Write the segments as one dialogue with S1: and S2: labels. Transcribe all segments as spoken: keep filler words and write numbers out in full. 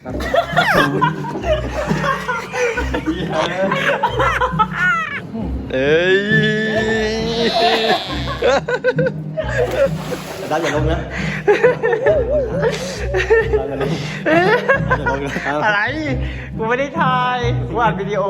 S1: เอ้ยดาวอย่าลงนะ
S2: อะไรกูไม่ได้ถ่ายกูอัดวิดีโอ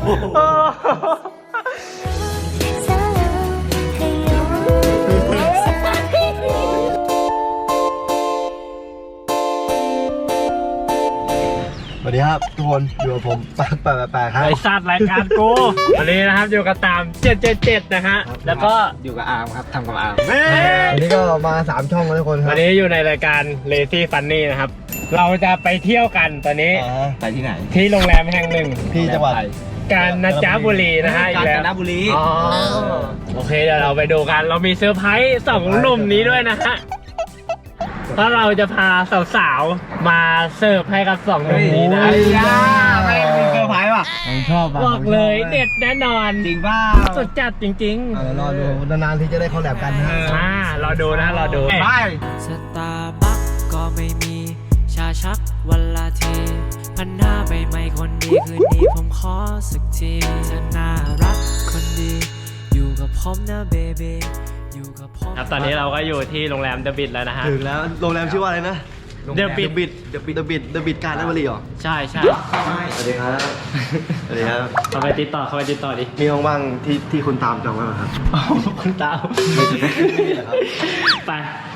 S1: สวัสดีครับทุกคนอยู่กับผมปากปากปากครับ
S2: ไอสัตว์รายการกูวันนี้นะครับอยู่กับตามเจ็ดเจ็ดเจ็ดนะฮะแล้วก็อยู่กับอาร์มครับทำกับอาร์ม
S1: วันนี้ก็มาสามช่องแล้วทุกคนครับ
S2: วันนี้อยู่ในรายการ Lazy Funny นะครับเราจะไปเที่ยวกันตอนนี้
S1: ไปที่ไหน
S2: ที่โรงแรมแห่งหนึ่ง
S1: ที่จังหวัด
S2: กาญจนบุรีนะฮะอีกแล้ว
S3: กาญจนบุรี
S2: อ๋อโอเคเดี๋ยวเราไปดูกันเรามีเซอร์ไพรส์สองหนุ่มนี้ด้วยนะฮะเพราะเราจะพาสาวๆมาเสิร์ฟให้กับสองหนุ่มนี้นะ
S3: ไม่มีเซอร์ไพรส์ว่ะ
S1: ผมชอบ
S2: บอกเลยเด็ดแน่นอน
S3: จริงป่ะ
S2: สุดจัดจริง
S1: เดี๋ยวรอดูนานๆที่จะได้คอลแลบกันนะ
S2: ๆอ่ารอดูนะรอดู
S3: ไป
S4: สตาร์บัคก็ไม่มีชาชักวันละทีพันห้าใบไม้คนดีคืนนี้ผมขอสักทีเธอน่ารักคนดีอยู่กับผมนะเบบีอยู่กับผม
S2: ครับตอนนี้เราก็อยู่ที่โรงแรมเดอะบิทแล้วนะฮะ
S1: ถึงแล้วโรงแรมชื่อว่าอะไรนะ
S2: เดอะบิท
S1: บิดเดอะบิดเดอะบิดเดอะบิดการนับรีเหรอ
S2: ใช่ใช่
S1: สวัสดีครับสวัสดีครับ
S2: เข้าไปติดต่อเข้าไปติดต่อดิ
S1: มีห้องว่างที่ที่คุณตามจองไว้ไหมครับ
S2: คุณตาม
S1: นี่แหละครับ
S2: ไป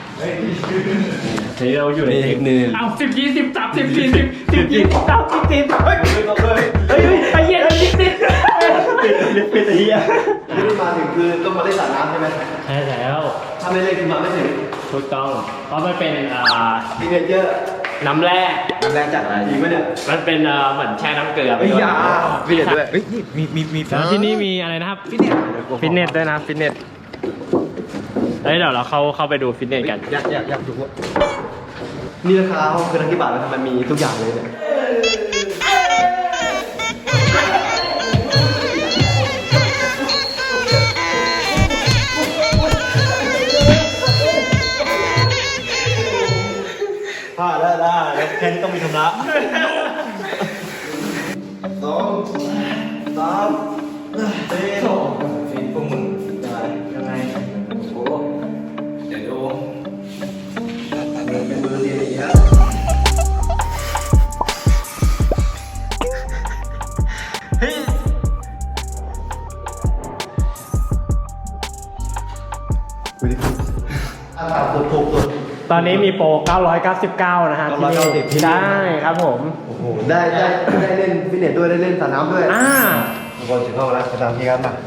S2: เฮ้ยเราอยู่ใน
S1: นี่
S2: ทีม
S1: นี่
S2: เอาสิบยี่สิบสามสิบสี่สิบสิบยี่สิบสามสิบสี่เฮ้ยเฮ้ยไอ้เหี้ยสิบสิบ
S1: ปิดปิดไอ้เหี้ยที่มาถึงคือต้องมาเล่นสระน้ำใช่ไหม
S2: ใช่แล้ว
S1: ถ้าไม่เล่นคือมาไม่ถึง
S2: ถูกต้องเพราะมันเป็นอ่า
S1: ทีเนเจอร์
S2: น้ำแร่
S1: น้ำแรงจากอะไรจริงไหมเนี่ย
S2: มันเป็นอ่าเหมือนแช่น้ำเกลือไป
S1: ไอ้
S2: ด้วย
S1: ยาพี่เด็ดด้วย
S3: เฮ้ยนี่มีมีมี
S2: แล้วที่นี่มีอะไรนะครับฟิตเนสฟิตเนสด้วยนะฟิตเนสเฮ้ยเดี๋ยวเราเข้าเข้าไปดูฟิตเนสกัน
S1: อยากอยากอยากดูว่านี่ราคาห้องคือนักกี่บาทแล้วทำไมมีทุกอย่างเลยเนี่ยพลาดได้ได้แล้วแค่นี้ต้องมีชำระสองสามสี่สี่พวกมึงได้ยังไงโอ้เดี๋ยวดูเป็นมือเรียนอีกแล้วเฮ้ยวิธีอ่าถูกถูกถูก
S2: ตอนนี้มีโปรเก้าร้อยเก้าสิบเก้านะฮะที่นี่
S1: เก้าร้อยเก้าสิบที่นี่
S2: ได้ครับผม
S1: โอ้โหได้ได้ได้เล่นฟิตเนสด้วยได้เล่นสระน้ำด้วย
S2: อ่า
S1: ทุกคนถึงห้องแล้วไปตามพี่ครับมา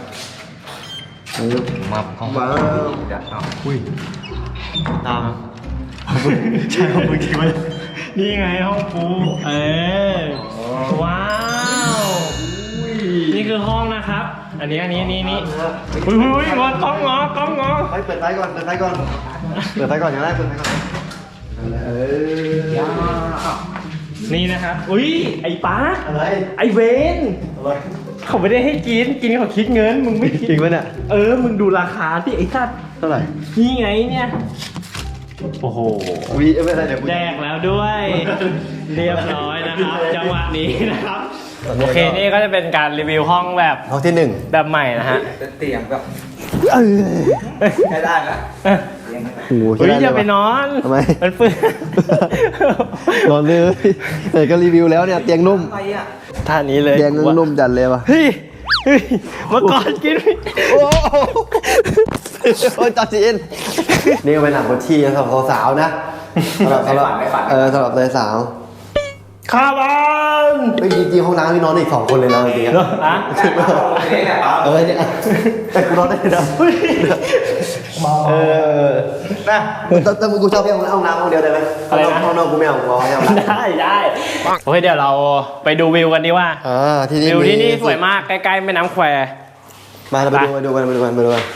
S3: มาห้อง
S1: มา
S3: เดี๋ยวเอา
S1: อุ้ยตามใช่ของมึงจริงไหม
S2: นี่ไงห้องปูเออว้าว นี่คือห้องนะครับ อันนี้อันนี้นี่นี่อุ้ยอุ้ยงอกล้องงอกล้องงอ
S1: ไปเปิดไฟก่อนเปิดไฟก่อนเปิดไฟก่อนอย่างแรกเปิดไฟก่อนเออ
S2: นี่นะครับ อุ้ยไอ้ป้า
S1: อะไร
S2: ไอ้เวน
S1: อะไร
S2: เขาไม่ได้ให้กิน กินเขาคิดเงิน มึงไม่คิด
S1: จริงไหมเนี่ย
S2: เออ มึงดูราคาที่ไอ้สัตว์
S1: เท่าไหร่
S2: นี่ไงเนี่ย โอ้โห
S1: วีไม่ได้เดี๋ยวกู
S2: แดกแล้วด้วย เรียบร้อยนะครับ จังหวะนี้นะครับ โอเค นี่ก็จะเป็นการรีวิวห้องแบบ
S1: ห้องที่หนึ่ง
S2: แบบใหม่นะฮะ
S3: เป็นเตียงแบบ
S1: เออ
S3: ใช้ได้นะ
S1: โอ้โห
S2: เฮ้ยอย่าไปนอน
S1: ทำไม
S2: มันเปื้อน
S1: นอนเลยแต่ก็รีวิวแล้วเนี่ยเตียงนุ่ม
S3: อะไรอ่ะ
S2: ท่านี้เลย
S1: เตียงนุ่มจัดเลยว่ะ
S2: เฮ้ยเฮ้ยเมื่อก่อนกินไม่
S1: โอ้โหโอ้ยตัดจีนนี่ก็เป็นหนังบทชีสำหรับสาวๆนะสำหรับสำหรับเออสำหรับเลยสาว
S2: ข้าวบ้าน
S1: ไม่จริงๆห้องน้ำนี่นอนได้อีกสองคนเลยนะจริงๆ
S2: เหรอ
S1: อะ
S2: ฮะ
S1: เออเนี่ยแต่กูนอนได้นะเออนะแต่แต่มึงกูชอบแค่ห้องน้ำห้องเดียวได้ไหม
S2: อะไรนะ
S1: ห้องนอกกูไม่เอากูเอาให้เอาละ
S2: ได้ได้โอเคเดี๋ยวเราไปดูวิวกันดีว่า
S1: อ่าที่นี่
S2: วิวที่นี่
S1: มี
S2: สวยมากใกล้ๆแม่น้ำแคว
S1: มาเราไปดูมาดูกันมาดูกันมาดูกัน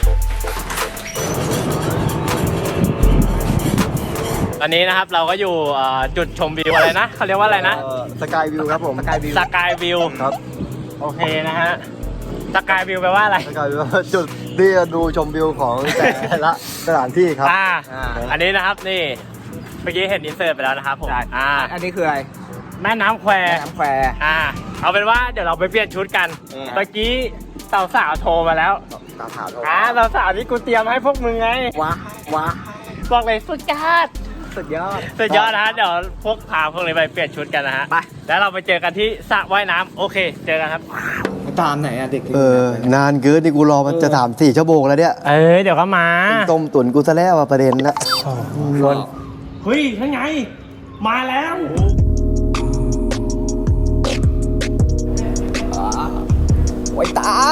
S2: ตอนนี้นะครับเราก็อยู่เอ่อจุดชมวิวอะไรนะเขาเรียกว่าอะไรนะ
S1: สกายวิวครับผมสกายวิว
S2: สกายวิว
S1: ครับ
S2: โอเคนะฮะสกายวิวแปลว่าอะไร
S1: สกายวิวจุดที่จะดูชมวิวของแต่ละสถานที่ครับ
S2: อ่าอันนี้นะครับนี่เมื่อกี้เห็นอินเสิร์ตไปแล้วนะครับผมอ่า
S3: อันนี้คืออะไร
S2: แม่น้ำแคว
S3: น้ำแคว
S2: อ่า เอาเป็นว่าเดี๋ยวเราไปเปลี่ยนชุดกัน
S3: เออ
S2: เมื่อกี้สาวสาวๆโทรมาแล้ว
S3: ตาขาวโทร
S2: อ่าสาวสาวๆที่กูเตรียมให้พวกมึงไง
S3: ว้าว้า
S2: บอกเลยสุดยอด
S3: สุดยอด
S2: สุดยอดนะฮะเดี๋ยวพวกพาพวกนี้ไปเปลี่ยนชุดกันนะฮะ
S3: ไป
S2: แล้วเราไปเจอกันที่สระว่ายน้ำโอเค เจอกันครับ
S3: ตามไหนอะเด็ก
S5: เออนานเกินนี่กูรอมันจะถามสี่ชั่วโมงแล้วเนี่ย
S2: เออเดี๋ยวก็มา
S5: ต้มตุ๋นกูซะแล้วอะประเด็นละ
S2: เฮ้ยทั้งไง มาแล้ว
S3: ไว้ตาม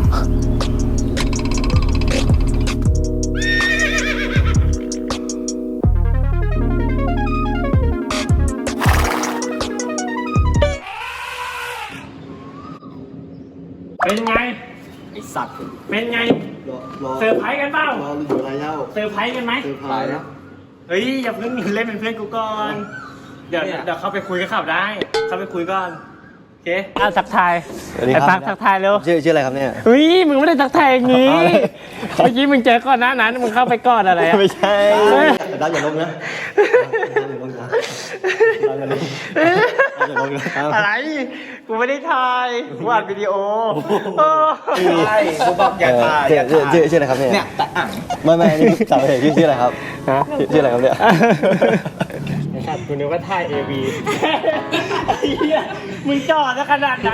S2: เป็นไง
S3: ไอสัตว์
S2: เป็นไง
S5: รอรอ
S2: เซอร์ไพรส์กันเปล่าร
S5: ออยู่อะไรเล่า
S2: เซอร์ไพรส์กันไหม
S5: เซอร์ไพรส์นะ
S2: เฮ้ยอย่าเพิ่งเล่นเป็นเพื่อนกูก่อน เดี๋ยว
S3: เนี่ย
S2: เดี๋ยวเข้าไปคุยกับเขาได้ เข้าไปคุยก่อน โอเคอ่ะทักทาย
S5: สวัสดี
S2: ไอ้
S5: ค
S2: ปั
S5: รั
S2: กทักทายเร็ว
S5: ชื่อชื่ออะไรครับเนี่ย
S2: เฮ้ยมึงไม่ได้ทักทายอย่างนี้
S5: เอาเลย
S2: เมื่อกี้มึงเจอก่อนหน้านั้นมึงเข้าไปก่อนอะไรอะ
S5: ไม่ใช่
S2: เฮ้ย
S5: ดับอย่าลงนะดับอย่าลงนะดับอย่าลงดับอย่าลงนะ
S2: อะไร กูไม่ได้ถ่ายกูอัดวิดีโอเออ
S3: ใช่กูบอกอย่าถ่ายอย่า
S5: ชื่อ
S3: ถ่าย
S5: ชื่อชื่ออะไรครับเนี่ย
S3: เนี่ยแต่อ่าง
S5: ไม่ไม่นี่สาวเอกชื่อชื่ออะไรครับ
S2: ฮะ
S5: ชื่อชื่ออะไรครับเนี่ย
S2: ไอ้สัตว์กูนึกว่าถ่ายเอวีไอ้เหี้ยมึงจอดซะขนาดนั้น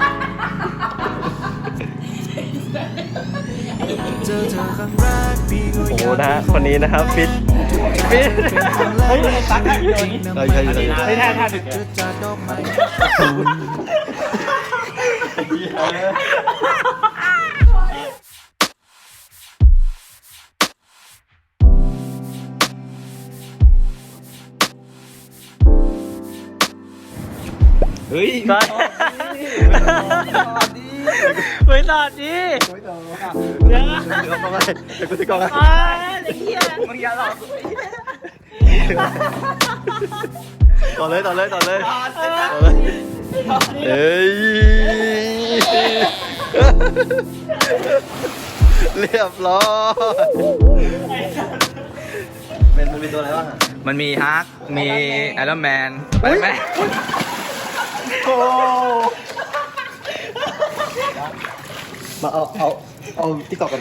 S4: เจอเธอครั้งแรกพี่ก็
S2: โอ้
S4: อ
S2: โห
S4: ยาก
S2: นะฮะคนนี้นะครับฟิตฟิตเฮ้ยตักถ่ายวิดีโอนี้
S5: ใช่ใช่ใช่ใช่
S2: ไม่ถ่ายถ่ายถึง
S4: จะจัดดอกไม้
S3: เฮ้ย
S2: ตอนไม่ตอดดิเดี๋ยวนะ
S5: เดี๋ยวกล้องอะไรเดี๋ยวกูจะกล้องอะไร
S2: อ้าวไอ้เหี้ย
S3: มึงอย่าหลอกกู
S5: ต่อเลยต่อเลยต่อเลยต่อเลยเอ้ยเรียบร้อยเป็นมันมีตัวอะไรบ้างอะ
S3: มันมีฮักมีไอรอนแมนไปไหม
S2: โอ้
S5: มาเอาเอาเอาติ๊กต็อกกัน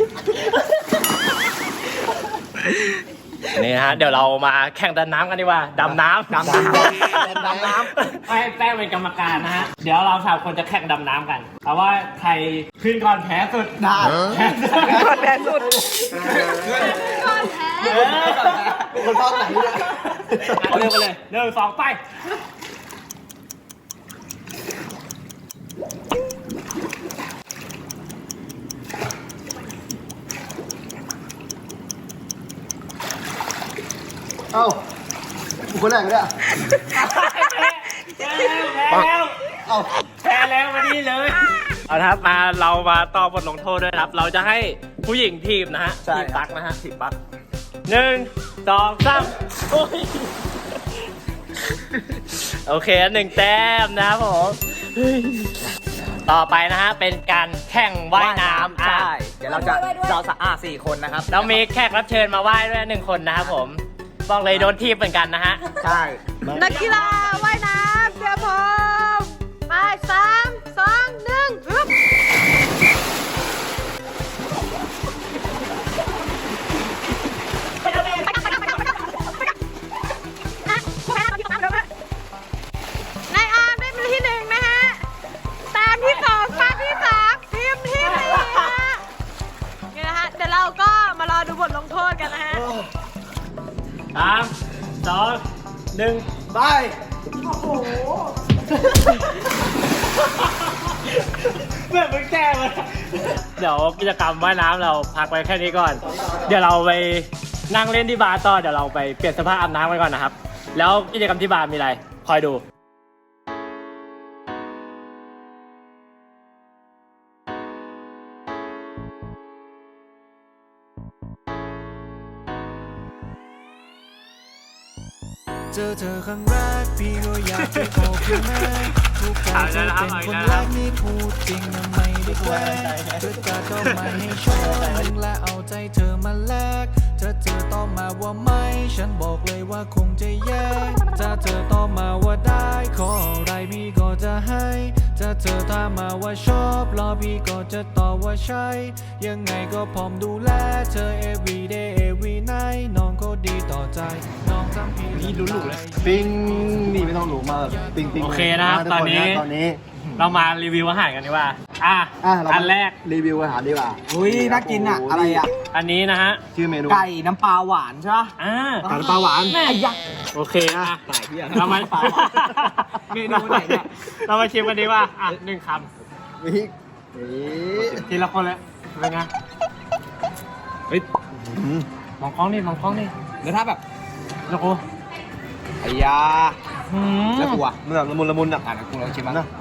S2: นี่นะฮะเดี๋ยวเรามาแข่งดำน้ำกันดีกว่าดำน้ำ
S3: ดำน้ำดำน้ำ
S2: ให้แป้งเป็นกรรมการนะฮะเดี๋ยวเราสามคนจะแข่งดำน้ำกันเอาว่าใครขึ้นก่อนแพ้สุด
S3: ได้
S2: แพ้สุด
S3: แพ้สุด
S5: คนภาคไหนเนี่ย
S2: เอาเร็วไปเลยหนึ่งสองไป
S5: เอ้ากูคนแรกเลยอะ
S2: แพ้แล้ว
S5: เอ้า
S2: แพ้แล้วมานี่เลยเอาละครับมาเรามาต่อบทลงโทษด้วยนะครับ เราจะให้ผู้หญิงทีมนะฮะ
S3: ใช่
S2: ทีมปักนะฮะทีมปักหนึ่งสองสามโอ้ยโอเคหนึ่งแต้มนะครับผมต่อไปนะฮะเป็นการแข่งว่ายน้ำอ่ะ
S3: ใช่เดี๋ยวเราจะเราสะอาดสี่คนนะครับ
S2: เรามีแขกรับเชิญมาว่ายด้วยหนึ่งคนนะครับผมบอกเลยโดนทีมเหมือนกันนะฮะ
S3: ใช่
S6: นักกีฬาว่ายน้ำเตรียมพร้อมไปสามสองหนึ่งฮึบนายอาร์มได้เป็นที่หนึ่งนะฮะตามที่สองตามที่สามทีมที่สี่นะฮะนี่นะฮะเดี๋ยวเราก็มารอดูบทลงโทษกันนะฮะ
S2: สามสองหนึ่ง
S3: ไป
S2: เมื่อมึงแก้มาเดี๋ยวกิจกรรมว่ายน้ำเราพักไว้แค่นี้ก่อน เดี๋ยวเราไปนั่งเล่นที่บาร์ต่อเดี๋ยวเราไปเปลี่ยนเสภาพอาบน้ำกันก่อนนะครับ แล้วกิจกรรมที่บาร์มีอะไร คอยดู
S4: เจอเธอครั้งแรกพี่ก็อยากไปขอบคุณแม่ทุ
S2: เอาแล้วนะครับเอา
S4: คน
S2: แล้ว
S4: แร
S2: นะครับ
S4: กนี่พูดจริงนะไม่ได้แกล้งเธอจะต้องไม่ให้ชมและเอาใจเธอมาแลกถ้าเธอตอบมาว่าไม่ ฉันบอกเลยว่าคงจะแย่ถ้าเธอตอบมาว่าได้ขออะไรพี่ก็จะให้ถ้าเธอถามมาว่าชอบรอพี่ก็จะตอบว่าใช่ยังไงก็พร้อมดูแลเธอ every day every night น้องก็ดีต่อใจน้องทำพี่นี่รู้ๆเลย
S5: ปิ้งนี่ไม่ต้องหรูมากปิ้งปิ้ง
S2: โอเคนะครับ
S5: ทุก
S2: ตอนนี้
S5: ตอนนี้
S2: เรามารีวิวอาหารกันดีกว่า อ่ะ
S5: อ่ะเรา
S2: อันแรก
S5: รีวิวอาหารดีกว่า
S3: อุ้ยน่ากินอ่ะ อะไรอ่ะ
S2: อันนี้นะฮะ
S5: ชื่อเมนู
S3: ไก่น้ำปลาหวานใช่ปะ
S2: อ่า
S5: ไก่ปลาหวาน
S2: แม่ยักษ์โอเคอ่ะ
S3: ตายเหี้ย
S2: เรามา
S3: ปลาหวานเมนูไหนเนี่ย
S2: เรามาชิมกันดีกว่าอ่ะหนึ่งค
S5: นี่นี่
S2: ำทีละคนเลยเป็นไงเฮ้ย
S5: อืม
S2: มองกล้องนี่มองกล้องนี่
S3: แล้วถ้าแบบ
S2: แล้วกู
S3: ไอ้ยา
S2: อืม
S3: แล้วกูอ่ะ
S5: มันแบบละมุนละมุนอ่ะ
S3: อ่ะกูลองชิมมั้ง
S5: นะ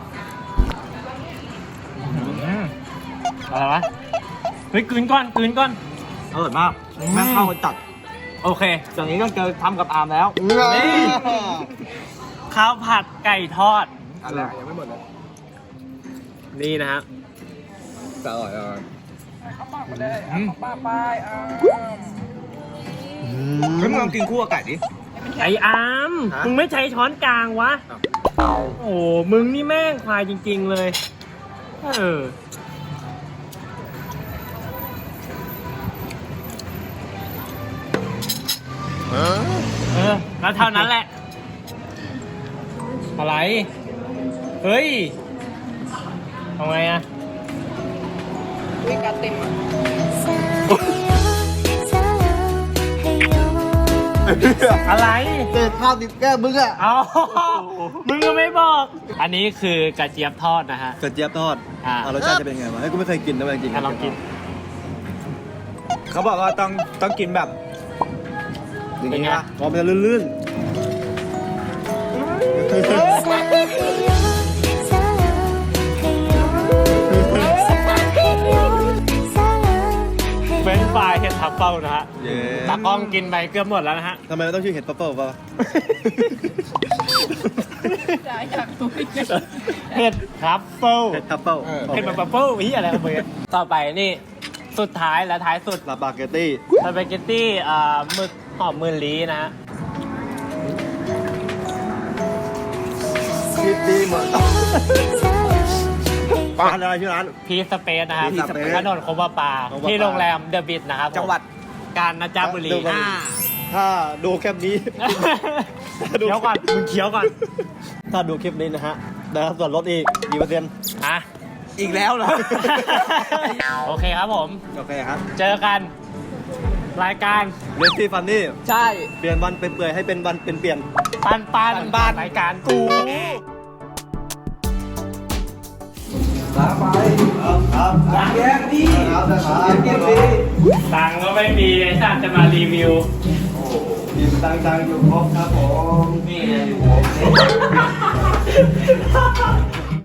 S2: อืมอะไรวะเฮ้ยกลืนก่อนกลืนก่อน
S3: อร่อยมากแม่งเข้ากันจัด
S2: โอเค
S3: อย่างนี้ต้องเจอทำกับอาร์มแล้ว
S2: นี่ ข้าวผัดไก่ทอด
S3: อะไรยังไม่หมดเลย
S2: นี่นะฮะ
S3: อร่อยอร่อย
S2: อืม
S3: เฮ้ยมึงลองกินคู่กับไก่ดิ
S2: ไออามมึงไม่ใช้ช้อนกลางวะ โอ้มึงนี่แม่งควายจริงๆเลย เออ เออ แล้วเท่านั้นแหละ อะไร เฮ้ยทำไงอะ อะไร
S5: เจ็ดข้าวติดแก้มมึงอ่ะ
S2: เอา มึงก็ไม่บอก อันนี้คือกระเจี๊ยบทอดนะฮะ
S5: กระเจี๊ยบทอด
S2: อ่า
S5: อ่ารสชาติจะเป็นไงวะเฮ้ยกูไม่เคยกินนะเว้ยจริงๆ
S2: อ่ะลองกิน
S3: เขาบอกว่าต้องต้องกินแบบ
S5: อย่างงี้
S2: เป็นไง
S5: ปะอ๋อมันจะลื่น
S2: เฟรนช์ฟรายเห็ดทัฟเฟิลนะฮะ
S5: ๆเย้
S2: ตากล้องกินไปเกือบหมดแล้วนะฮะ
S5: ทำไมมันต้องชื่อเห็ดปัฟเฟิลป่ะ
S2: เห็ดทัฟเฟิล
S5: เห็ดทัฟเฟิล
S2: เห็ดแบบทัฟเฟิลอีอะไรกันเบยต่อไปนี่สุดท้ายและท้ายสุด
S5: ลาบาเกตตี้
S2: สปาเกตตี้อ่าหมึกหอมมือลีนะฮะ
S5: คิดดีหมดร้านอะไรชื่อร้าน
S2: พีสเปซนะครับ
S5: Peace Space
S2: ถนนโคบาปา
S5: โคบาปา
S2: ที่โรงแรมเดอะบิทนะครับผม
S3: จังหวัด
S2: กาญจนบุรี
S5: เดอะบิท
S2: อ่า
S5: ถ้าดูคลิปนี้
S2: เคี้ยวก่อนมึงเคี้ยวก่อน
S5: ถ้าดูคลิปนี้นะฮะได้รับส่วนลดอีกกี่เปอร์เซ็นต์
S2: อ่ะ
S3: อีกแล้วเหรอ
S2: โอเคครับผม
S5: โอเคครับ
S2: เจอกัน รายการ
S5: เรสซี่ฟันนี่
S3: ใช่
S5: เปลี่ยนวันเป็นเปื่อยให้เป็นวันเป็นเปลี่ยน
S2: ปันปัน
S3: ปันปัน
S2: รายการกู
S5: ครับครับแยกดีครับครับแยกดี
S2: ตังค์ก็ไม่มีเลยสัตว์จะมารีวิว
S5: กินตังๆอยู่ครบครับผม
S2: นี่ไงอยู่